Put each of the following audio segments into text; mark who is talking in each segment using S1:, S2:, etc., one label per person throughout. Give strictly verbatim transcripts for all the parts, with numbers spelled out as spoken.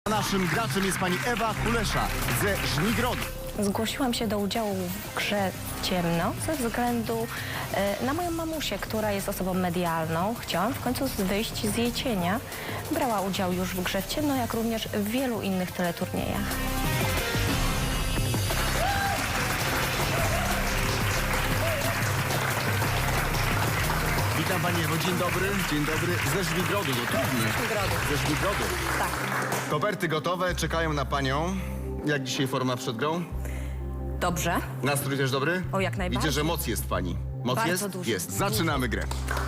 S1: Naszym graczem jest pani Ewa Kulesza ze Żmigrodu.
S2: Zgłosiłam się do udziału w grze Ciemno ze względu e, na moją mamusię, która jest osobą medialną. Chciałam w końcu wyjść z jej cienia. Brała udział już w grze Ciemno, jak również w wielu innych teleturniejach.
S1: Witam pani Ewo, dzień dobry. Dzień dobry. Ze Żmigrodu, to trudne.
S2: Żmigrodu.
S1: Ze Żmigrodu.
S2: Tak.
S1: Koperty gotowe, czekają na panią. Jak dzisiaj forma przed grą?
S2: Dobrze.
S1: Nastrój też dobry?
S2: O, jak najbardziej.
S1: Widzę, że moc jest w pani. Moc
S2: Bardzo
S1: jest?
S2: dużo.
S1: Jest. Zaczynamy grę.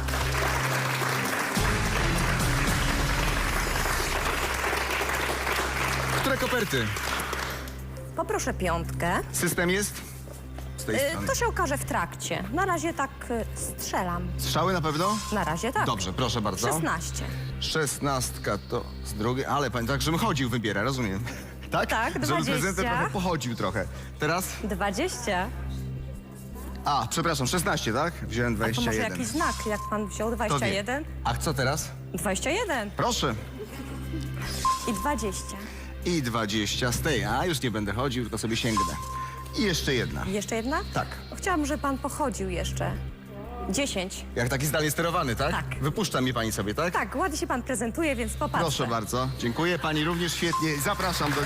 S1: Które koperty?
S2: Poproszę piątkę.
S1: System jest? Z tej
S2: E,
S1: strony.
S2: to się okaże w trakcie. Na razie tak e, strzelam.
S1: Strzały na pewno?
S2: Na razie tak.
S1: Dobrze, proszę bardzo.
S2: szesnaście.
S1: Szesnastka to z drugiej, ale pani tak, żebym chodził, wybiera, rozumiem. Tak?
S2: Tak,
S1: Żeby
S2: dwadzieścia.
S1: prezentem trochę pochodził trochę. Teraz?
S2: dwadzieścia.
S1: A, przepraszam, szesnaście, tak? Wziąłem
S2: To
S1: dwadzieścia
S2: może
S1: jeden.
S2: jakiś znak, jak pan wziął
S1: To
S2: dwadzieścia
S1: wie.
S2: jeden?
S1: A co teraz?
S2: dwadzieścia jeden.
S1: Proszę.
S2: I dwadzieścia.
S1: I dwadzieścia z tej. A, już nie będę chodził, tylko sobie sięgnę. I jeszcze jedna.
S2: I jeszcze jedna?
S1: Tak.
S2: Chciałam, żeby pan pochodził jeszcze. dziesięć.
S1: Jak taki zdalnie sterowany, tak?
S2: Tak.
S1: Wypuszcza mnie pani sobie, tak?
S2: Tak, ładnie się pan prezentuje, więc popatrzę.
S1: Proszę bardzo. Dziękuję. Pani również świetnie. Zapraszam do gry.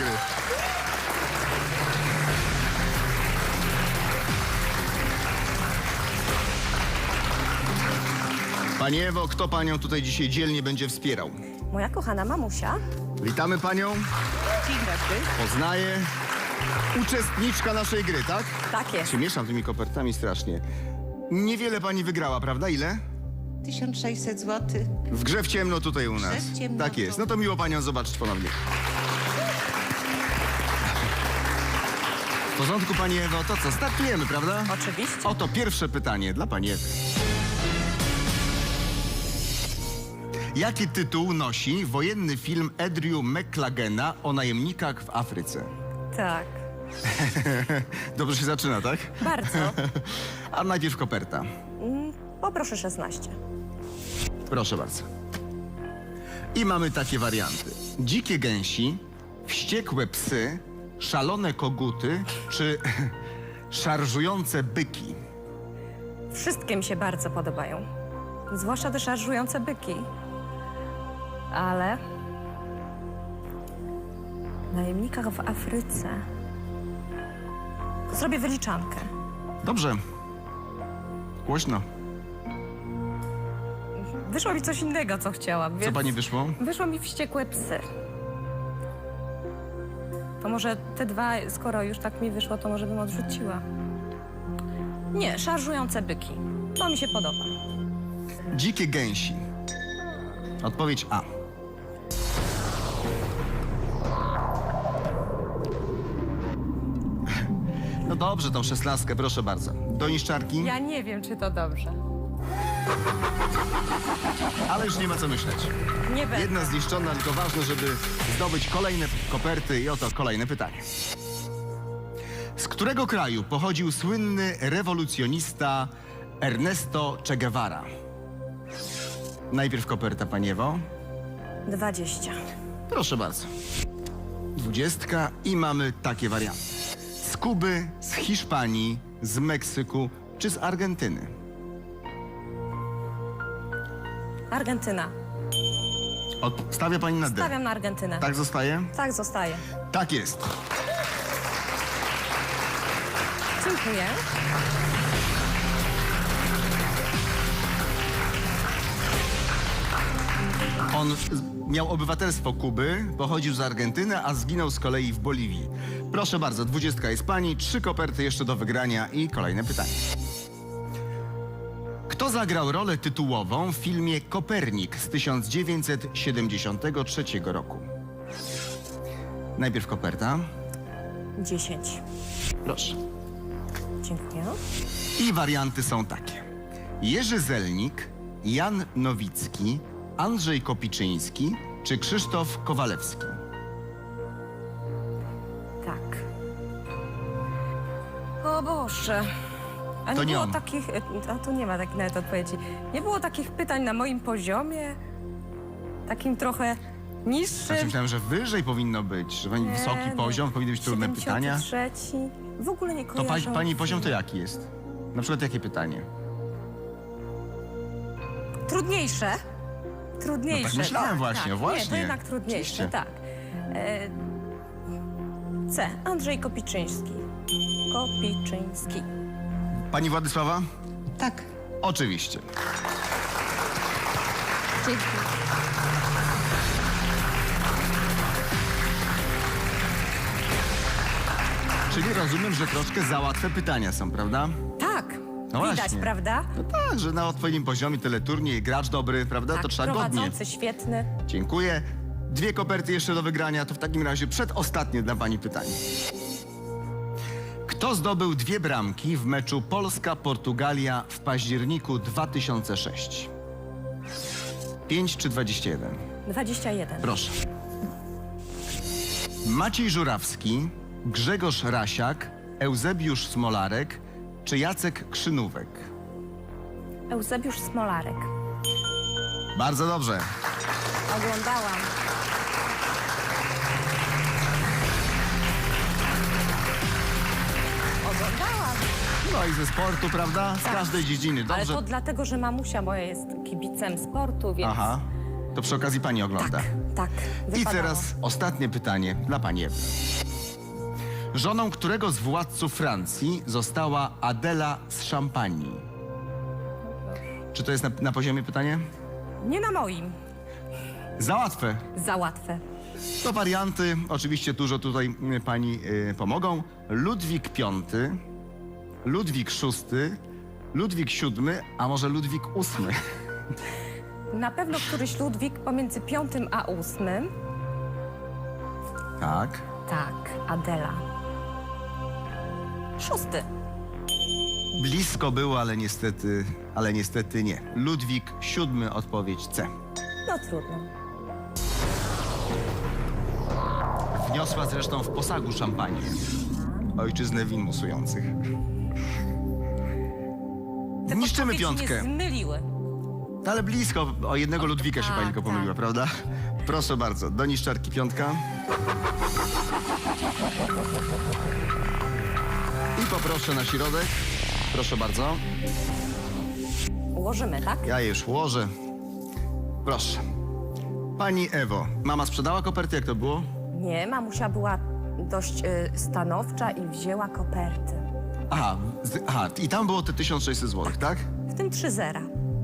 S1: Pani Ewo, kto panią tutaj dzisiaj dzielnie będzie wspierał?
S2: Moja kochana mamusia.
S1: Witamy panią.
S2: Dzień dobry.
S1: Poznaję. Uczestniczka naszej gry, tak?
S2: Tak jest.
S1: Się mieszam tymi kopertami strasznie. Niewiele pani wygrała, prawda? Ile?
S3: tysiąc sześćset złotych.
S1: W grze w ciemno tutaj u nas.
S3: Grze w ciemno
S1: Tak jest.
S3: tu.
S1: No to miło panią zobaczyć ponownie. W porządku, pani Ewo, to co? Startujemy, prawda?
S2: Oczywiście.
S1: Oto pierwsze pytanie dla pani Ewy. Jaki tytuł nosi wojenny film Andrew McLagena o najemnikach w Afryce?
S2: Tak.
S1: Dobrze się zaczyna, tak?
S2: Bardzo.
S1: A najpierw koperta.
S2: Mm, Poproszę szesnaście.
S1: Proszę bardzo. I mamy takie warianty. Dzikie gęsi, wściekłe psy, szalone koguty czy szarżujące byki.
S2: Wszystkie mi się bardzo podobają. Zwłaszcza te szarżujące byki. Ale... W najemnikach w Afryce... Zrobię wyliczankę.
S1: Dobrze. Głośno.
S2: Wyszło mi coś innego, co chciałam,
S1: Co
S2: więc...
S1: pani wyszło?
S2: Wyszło mi wściekłe psy. To może te dwa, skoro już tak mi wyszło, to może bym odrzuciła. Nie, szarżujące byki. To mi się podoba.
S1: Dzikie gęsi. Odpowiedź A. No dobrze, tą szesnastkę, proszę bardzo. Do niszczarki,
S2: Ja nie wiem, czy to dobrze.
S1: ale już nie ma co myśleć.
S2: Nie będę.
S1: Jedna zniszczona, tylko ważne, żeby zdobyć kolejne koperty i oto kolejne pytanie. Z którego kraju pochodził słynny rewolucjonista Ernesto Che Guevara? Najpierw koperta, pani Ewo.
S2: dwadzieścia.
S1: Proszę bardzo. Dwudziestka i mamy takie warianty. Z Kuby, z Hiszpanii, z Meksyku czy z Argentyny?
S2: Argentyna.
S1: Stawia pani na D.
S2: Stawiam na Argentynę.
S1: Tak zostaje?
S2: Tak zostaje.
S1: Tak jest.
S2: Dziękuję.
S1: On z- miał obywatelstwo Kuby, pochodził z Argentyny, a zginął z kolei w Boliwii. Proszę bardzo, dwudziestka jest pani, trzy koperty jeszcze do wygrania i kolejne pytanie. Kto zagrał rolę tytułową w filmie Kopernik z tysiąc dziewięćset siedemdziesiątego trzeciego roku? Najpierw koperta.
S2: dziesięć.
S1: Proszę.
S2: Dziękuję.
S1: I warianty są takie. Jerzy Zelnik, Jan Nowicki, Andrzej Kopiczyński czy Krzysztof Kowalewski?
S2: Tak. O Boże. A nie
S1: To nie
S2: było
S1: on.
S2: takich... A tu nie ma takich nawet odpowiedzi. Nie było takich pytań na moim poziomie? Takim trochę
S4: Niższy.
S1: Znaczy myślałem, że wyżej powinno być, że pani wysoki
S4: Nie,
S1: poziom, powinny być trudne pytania.
S4: siedemdziesiąty trzeci. W ogóle nie
S1: To
S4: kojarzę.
S1: pa, pani poziom to jaki jest? Na przykład jakie pytanie?
S4: Trudniejsze. Trudniejsze.
S1: No tak myślałem
S4: tak,
S1: właśnie,
S4: tak.
S1: właśnie.
S4: Nie, to jednak trudniejsze,
S1: Oczywiście.
S4: tak. E, C. Andrzej Kopiczyński. Kopiczyński.
S1: Pani Władysława?
S3: Tak.
S1: Oczywiście.
S3: Dzięki.
S1: Czyli rozumiem, że troszkę za łatwe pytania są, prawda?
S4: Tak.
S1: No
S4: Widać,
S1: właśnie.
S4: prawda?
S1: No tak, że na odpowiednim poziomie teleturniej, gracz dobry, prawda?
S4: Tak,
S1: to trzeba godnie.
S4: prowadzący świetny.
S1: Dziękuję. Dwie koperty jeszcze do wygrania, to w takim razie przedostatnie dla pani pytanie. Kto zdobył dwie bramki w meczu Polska-Portugalia w październiku dwa tysiące szóstego? pięć czy dwadzieścia jeden?
S4: dwadzieścia jeden.
S1: Proszę. Maciej Żurawski, Grzegorz Rasiak, Eusebiusz Smolarek czy Jacek Krzynówek?
S2: Eusebiusz Smolarek.
S1: Bardzo dobrze.
S4: Oglądałam. Oglądałam.
S1: No i ze sportu, prawda? Z każdej dziedziny.
S4: Ale
S1: Dobrze.
S4: to dlatego, że mamusia moja jest kibicem sportu, więc...
S1: Aha. To przy okazji pani ogląda.
S4: Tak, tak.
S1: I
S4: wypadało.
S1: teraz ostatnie pytanie dla pani Ewy. Żoną którego z władców Francji została Adela z Szampanii? Czy to jest na, na poziomie pytanie?
S4: Nie na moim.
S1: Za łatwe.
S4: Za łatwe.
S1: To warianty, oczywiście dużo tutaj y, pani y, pomogą. Ludwik piąty, Ludwik szósty, Ludwik siódmy, a może Ludwik ósmy?
S4: Na pewno któryś Ludwik pomiędzy piątym a ósmym.
S1: Tak.
S4: Tak, Adela. Szósty.
S1: Blisko było, ale niestety, ale niestety nie. Ludwik siódmy, odpowiedź C.
S4: No trudno.
S1: Wniosła zresztą w posagu szampanię. Ojczyznę win musujących.
S4: Te
S1: Niszczymy
S4: podpowiedzi
S1: piątkę.
S4: mnie zmyliły.
S1: Ale blisko, o jednego Ludwika się
S4: tak,
S1: pani tylko
S4: tak.
S1: pomyliła, prawda? Proszę bardzo, do niszczarki piątka. I poproszę na środek. Proszę bardzo.
S4: Ułożymy, tak?
S1: Ja je już ułożę. Proszę. Pani Ewo, mama sprzedała koperty, jak to było?
S4: Nie, mamusia była dość y, stanowcza i wzięła koperty.
S1: Aha, z, aha, i tam było te tysiąc sześćset złotych, tak?
S4: W tym trzy zera.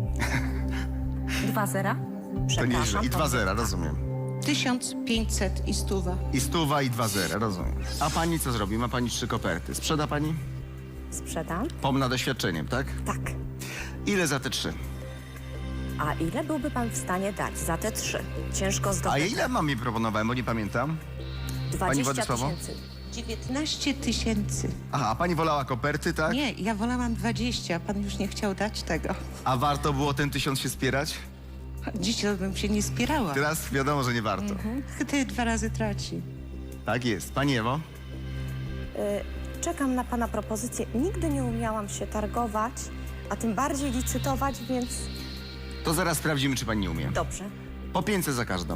S4: Dwa zera?
S1: To
S4: Przepraszam.
S1: nieźle. I dwa
S4: to-
S1: zera, rozumiem.
S3: tysiąc pięćset i stuwa.
S1: I stuwa, i dwa zera, rozumiem. A pani co zrobi? Ma pani trzy koperty. Sprzeda pani?
S4: Sprzedam?
S1: Pomna doświadczeniem, tak?
S4: Tak.
S1: Ile za te trzy?
S4: A ile byłby pan w stanie dać za te trzy? Ciężko
S1: A
S4: zdobyć.
S1: ile mam mi proponowałem, bo nie pamiętam.
S4: dwadzieścia
S1: Władysławo?
S4: tysięcy.
S3: dziewiętnaście tysięcy.
S1: Aha, a pani wolała koperty, tak?
S3: Nie, ja wolałam dwadzieścia, pan już nie chciał dać tego.
S1: A warto było ten tysiąc się spierać?
S3: Dziś to bym się nie spierała.
S1: Teraz wiadomo, że nie warto.
S3: Wtedy dwa razy traci.
S1: Tak jest. Pani Ewo?
S4: Y, czekam na pana propozycję. Nigdy nie umiałam się targować, a tym bardziej licytować, więc
S1: To zaraz sprawdzimy, czy pani nie umie.
S4: dobrze.
S1: Po pięćset za każdą.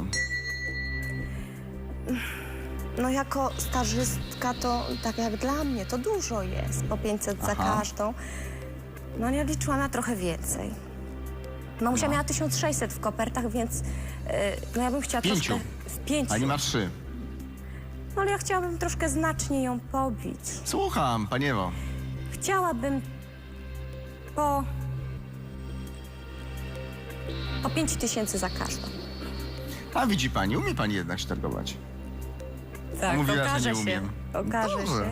S4: No jako stażystka to tak jak dla mnie to dużo jest, po pięćset za
S1: Aha.
S4: każdą. No nie liczyłam na trochę więcej. Mamusia
S1: No.
S4: miała tysiąc sześćset w kopertach, więc yy, no ja bym chciała
S1: Pięciu.
S4: troszkę... W pięciu.
S1: Pani ma trzy.
S4: No ale ja chciałabym troszkę znacznie ją pobić.
S1: Słucham, pani Ewo.
S4: Chciałabym po... po pięć tysięcy za każdą.
S1: A widzi pani, umie pani jednak się targować.
S4: Tak,
S1: Mówiła, że
S4: okaże
S1: nie
S4: się.
S1: umiem.
S4: Okaże
S1: Dobrze.
S4: się.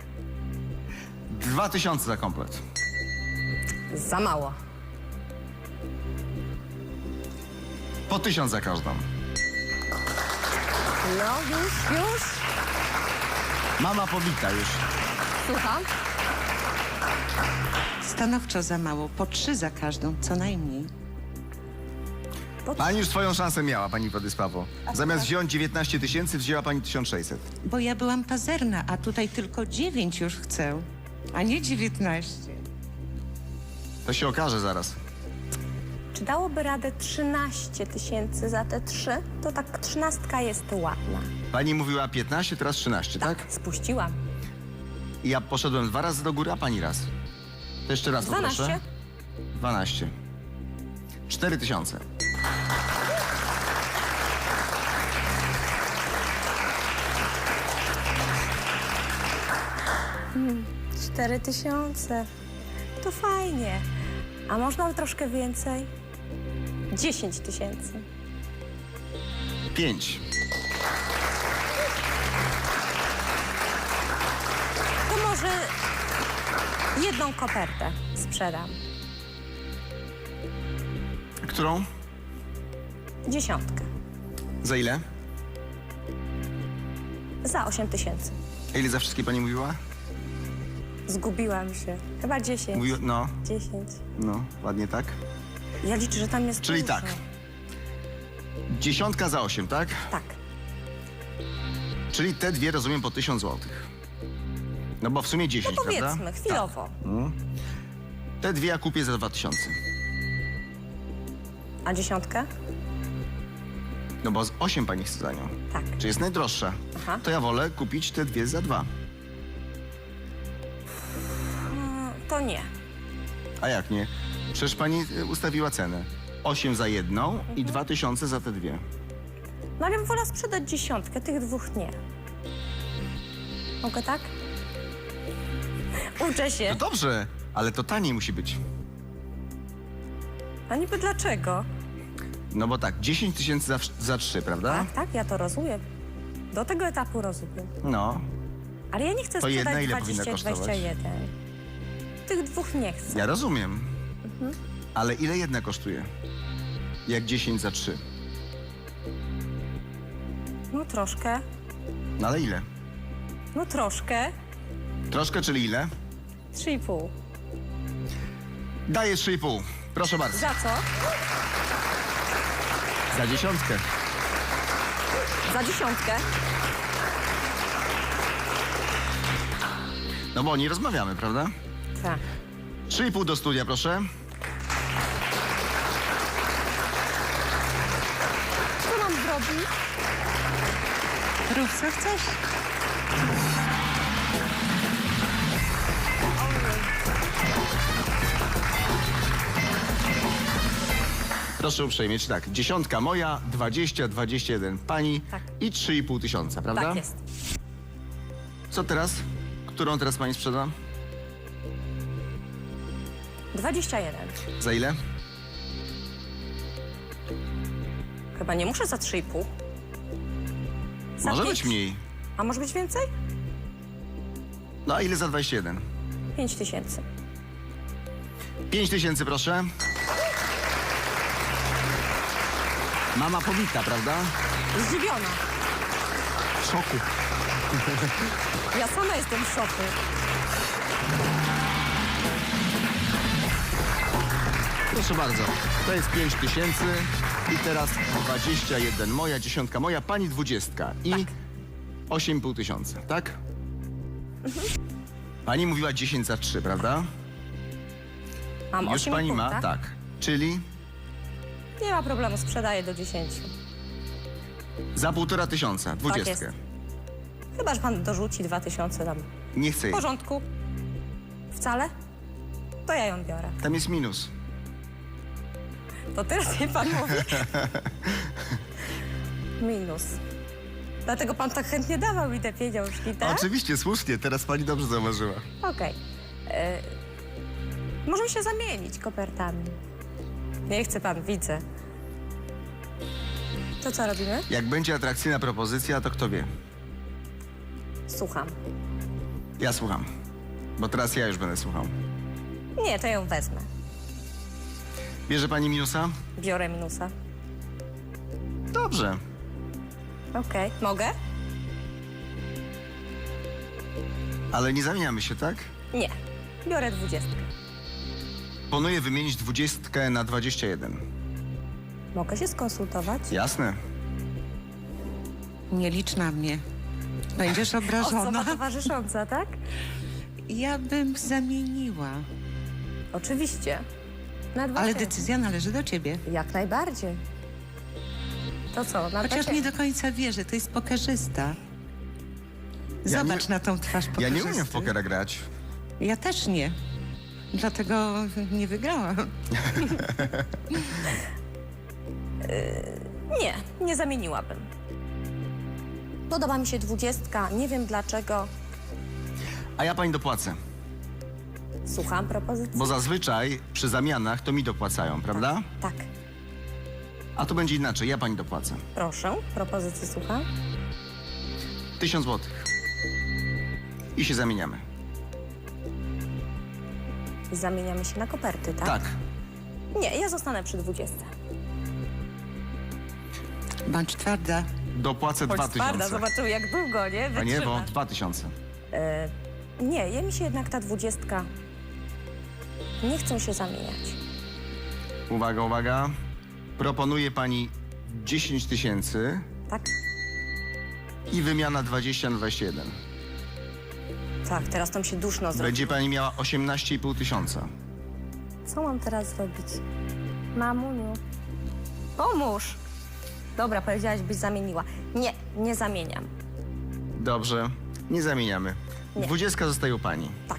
S1: Dwa tysiące za komplet.
S4: Za mało.
S1: Po tysiąc za każdą.
S4: No już, już.
S1: Mama powita już.
S4: Słucham.
S3: Stanowczo za mało, po trzy za każdą, co najmniej.
S1: Pani już swoją szansę miała, pani Władysławo. Zamiast wziąć dziewiętnaście tysięcy, wzięła pani tysiąc sześćset.
S3: Bo ja byłam pazerna, a tutaj tylko dziewięć już chcę, a nie dziewiętnaście.
S1: To się okaże zaraz.
S4: Czy dałoby radę trzynaście tysięcy za te trzy? To tak trzynastka jest ładna.
S1: Pani mówiła piętnaście, teraz trzynaście, tak?
S4: Spuściłam.
S1: I ja poszedłem dwa razy do góry, a pani raz. To jeszcze raz poproszę.
S4: dwanaście.
S1: dwanaście. cztery tysiące.
S4: cztery tysiące. To fajnie. A można troszkę więcej? dziesięć tysięcy.
S1: pięć.
S4: To może jedną kopertę sprzedam.
S1: Którą?
S4: Dziesiątkę.
S1: Za ile?
S4: Za osiem tysięcy.
S1: A ile za wszystkie pani mówiła?
S4: Zgubiłam się. Chyba dziesięć.
S1: Mówiła, no,
S4: dziesięć.
S1: no, ładnie tak.
S4: Ja liczę, że tam jest
S1: Czyli
S4: dużo.
S1: tak. Dziesiątka za osiem, tak?
S4: Tak.
S1: Czyli te dwie rozumiem po tysiąc złotych. No bo w sumie dziesięć,
S4: No
S1: prawda?
S4: powiedzmy, chwilowo.
S1: Mm. Te dwie ja kupię za dwa tysiące.
S4: A dziesiątkę?
S1: No bo z osiem pani chce za nią.
S4: Tak.
S1: Czy jest najdroższa?
S4: Aha.
S1: To ja wolę kupić te dwie za dwa.
S4: Mm, to nie.
S1: A jak nie? Przecież pani y, ustawiła cenę. osiem za jedną i dwa tysiące za te dwie.
S4: No ale wolę sprzedać dziesiątkę, tych dwóch nie. Mogę tak? Uczę się.
S1: No dobrze, ale to taniej musi być.
S4: A niby dlaczego?
S1: No bo tak, dziesięć tysięcy za, wsz- za trzy, prawda?
S4: Tak, tak, ja to rozumiem. Do tego etapu rozumiem.
S1: No,
S4: Ale ja nie chcę
S1: To jedna
S4: sprzedać
S1: ile powinna
S4: dwadzieścia,
S1: kosztować?
S4: dwadzieścia jeden. Tych dwóch nie chcę.
S1: ja rozumiem. Ale ile jedna kosztuje? Jak dziesięć za trzy.
S4: No troszkę.
S1: No ale ile?
S4: No troszkę.
S1: Troszkę, czyli ile?
S4: Trzy i pół.
S1: Daję trzy i pół. Proszę bardzo.
S4: Za co?
S1: Za dziesiątkę.
S4: Za dziesiątkę.
S1: No bo nie rozmawiamy, prawda?
S4: Tak.
S1: trzy i pół do studia, proszę.
S4: Co mam zrobić?
S3: Rób co chcesz.
S1: Proszę uprzejmie, czy tak? Dziesiątka moja, dwadzieścia, dwadzieścia jeden pani
S4: Tak.
S1: i trzy i pół tysiąca, prawda?
S4: Tak jest.
S1: Co teraz? Którą teraz pani sprzeda?
S4: dwadzieścia jeden.
S1: Za ile?
S4: Chyba nie muszę za trzy i pół. Za
S1: Może
S4: pięć.
S1: być mniej.
S4: A może być więcej?
S1: No a ile za dwadzieścia jeden?
S4: Pięć tysięcy.
S1: pięć tysięcy, proszę. Mama powita, prawda?
S4: Zdziwiona.
S1: W szoku.
S4: Ja sama jestem w szoku.
S1: Proszę bardzo, to jest pięć tysięcy i teraz dwadzieścia jeden moja, dziesiątka moja, pani dwudziestka i
S4: Tak.
S1: osiem i pół tysiąca, tak? Pani mówiła dziesięć za trzy, prawda?
S4: Mam
S1: Już
S4: osiem i
S1: pani
S4: pół,
S1: ma,
S4: tak?
S1: tak. Czyli
S4: Nie ma problemu, sprzedaję do dziesięciu.
S1: za półtora tysiąca, dwudziestkę.
S4: jest. Chyba, że pan dorzuci dwa tysiące tam.
S1: Nie chcę
S4: W
S1: jej.
S4: porządku. Wcale? To ja ją biorę.
S1: Tam jest minus.
S4: To teraz mi pan mówi? Minus. Dlatego pan tak chętnie dawał mi te pieniążki, tak?
S1: Oczywiście, słusznie, teraz pani dobrze zauważyła.
S4: Okej. E, Możemy się zamienić kopertami. Nie chce pan, widzę. To co robimy?
S1: Jak będzie atrakcyjna propozycja, to kto wie?
S4: Słucham.
S1: Ja słucham. Bo teraz ja już będę słuchał.
S4: Nie, to ją wezmę.
S1: Bierze pani minusa?
S4: Biorę minusa.
S1: Dobrze.
S4: Okej. Mogę?
S1: Ale nie zamieniamy się, tak?
S4: Nie. Biorę dwudziestkę.
S1: Planuję wymienić dwudziestkę na dwadzieścia jeden.
S4: Mogę się skonsultować?
S1: Jasne.
S3: Nie licz na mnie. Będziesz
S4: Osoba
S3: obrażona.
S4: towarzysząca, tak?
S3: Ja bym zamieniła.
S4: Oczywiście. Na dwa
S3: Ale
S4: tysiące.
S3: decyzja należy do ciebie.
S4: Jak najbardziej. To co? Na
S3: Chociaż
S4: dwa
S3: nie
S4: tysiące.
S3: do końca wierzę, to jest pokerzysta. Zobacz
S1: nie-
S3: na tą twarz
S1: Ja
S3: pokerzysty.
S1: nie umiem w pokera grać.
S3: Ja też nie. Dlatego nie wygrałam.
S4: Nie, nie zamieniłabym. Podoba mi się dwudziestka, nie wiem dlaczego.
S1: A ja pani dopłacę.
S4: Słucham propozycji.
S1: Bo zazwyczaj przy zamianach to mi dopłacają, prawda?
S4: Tak,
S1: A to będzie inaczej, ja pani dopłacę.
S4: proszę, propozycji słucham.
S1: Tysiąc złotych. I się zamieniamy.
S4: Zamieniamy się na koperty, tak?
S1: Tak.
S4: Nie, ja zostanę przy dwudziestce.
S3: Bądź twarda.
S1: Dopłacę dwa tysiące.
S4: zobaczymy jak długo, nie?
S1: A nie, bo dwa tysiące.
S4: E, nie, je mi się jednak ta dwudziestka. Nie chcę się zamieniać.
S1: Uwaga, uwaga. Proponuję pani dziesięć tysięcy
S4: Tak?
S1: i wymiana dwadzieścia na dwadzieścia jeden.
S4: Tak, teraz to mi się duszno zrobi.
S1: Będzie pani miała osiemnaście i pół tysiąca.
S4: Co mam teraz zrobić? Mamuniu, pomóż. Dobra, powiedziałaś, byś zamieniła. Nie, nie zamieniam.
S1: Dobrze, nie zamieniamy.
S4: Nie.
S1: Dwudziestka zostaje u pani.
S4: Tak.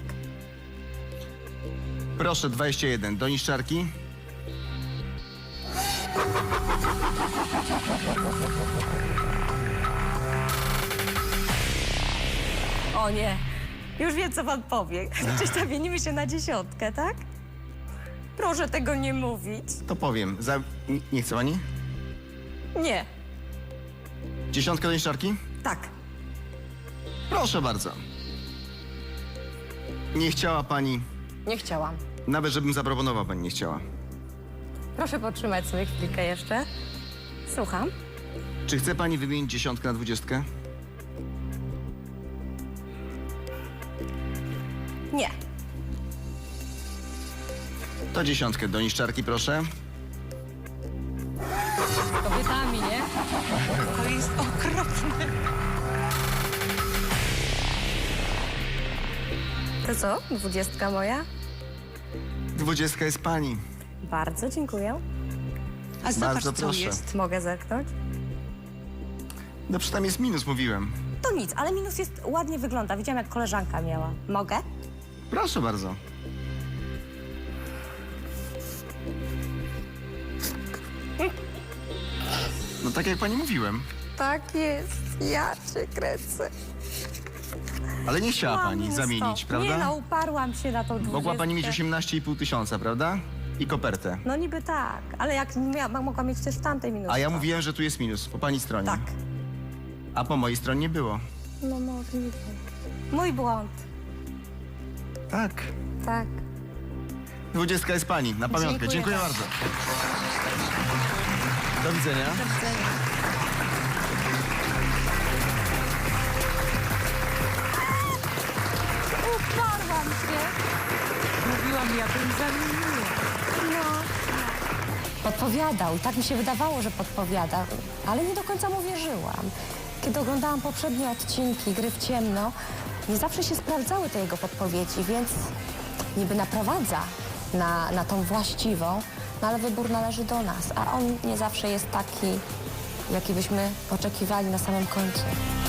S1: Proszę, dwadzieścia jeden. Do niszczarki.
S4: O nie, już wiem, co pan powie. Czy zamienimy się na dziesiątkę, tak? Proszę tego nie mówić.
S1: To powiem. Za... Nie, nie chce pani?
S4: Nie,
S1: Dziesiątka do niszczarki?
S4: tak.
S1: Proszę bardzo. Nie chciała pani...
S4: Nie chciałam.
S1: Nawet żebym zaproponował, pani nie chciała.
S4: Proszę potrzymać sobie chwilkę jeszcze. Słucham.
S1: Czy chce pani wymienić dziesiątkę na dwudziestkę?
S4: Nie.
S1: To dziesiątkę do niszczarki, proszę.
S4: Z kobietami, nie?
S3: To jest okropne.
S4: To co? Dwudziestka moja?
S1: Dwudziestka jest pani.
S4: Bardzo dziękuję.
S3: A zobacz,
S1: Bardzo
S3: co
S1: proszę.
S3: jest.
S4: Mogę zerknąć?
S1: No przecież tam jest minus, mówiłem.
S4: To nic, ale minus jest ładnie wygląda. Widziałam, jak koleżanka miała. Mogę?
S1: Proszę bardzo. No tak jak pani mówiłem.
S4: Tak jest. Ja cię kręcę.
S1: Ale nie chciała
S4: Mam
S1: pani
S4: mnóstwo.
S1: zamienić, prawda?
S4: Nie no, uparłam się na tą dwudziestkę.
S1: Mogła pani mieć osiemnaście i pół tysiąca, prawda? I kopertę.
S4: No niby tak, ale jak mia- mogła mieć też w tamtej minus.
S1: A ja mówiłem, że tu jest minus, po pani stronie.
S4: Tak.
S1: A po mojej stronie nie było.
S4: No możliwe. Mój błąd.
S1: Tak.
S4: Tak.
S1: Dwudziestka jest pani, na pamiątkę.
S4: Dziękuję
S1: Dziękuję
S4: bardzo.
S1: bardzo. Do widzenia.
S4: Do widzenia. Uparłam się.
S3: Mówiłam, ja bym zamieniła.
S4: No. Podpowiadał i tak mi się wydawało, że podpowiada, ale nie do końca mu wierzyłam. Kiedy oglądałam poprzednie odcinki Gry w ciemno, nie zawsze się sprawdzały te jego podpowiedzi, więc niby naprowadza na, na tą właściwą, no ale wybór należy do nas, a on nie zawsze jest taki, jaki byśmy oczekiwali na samym końcu.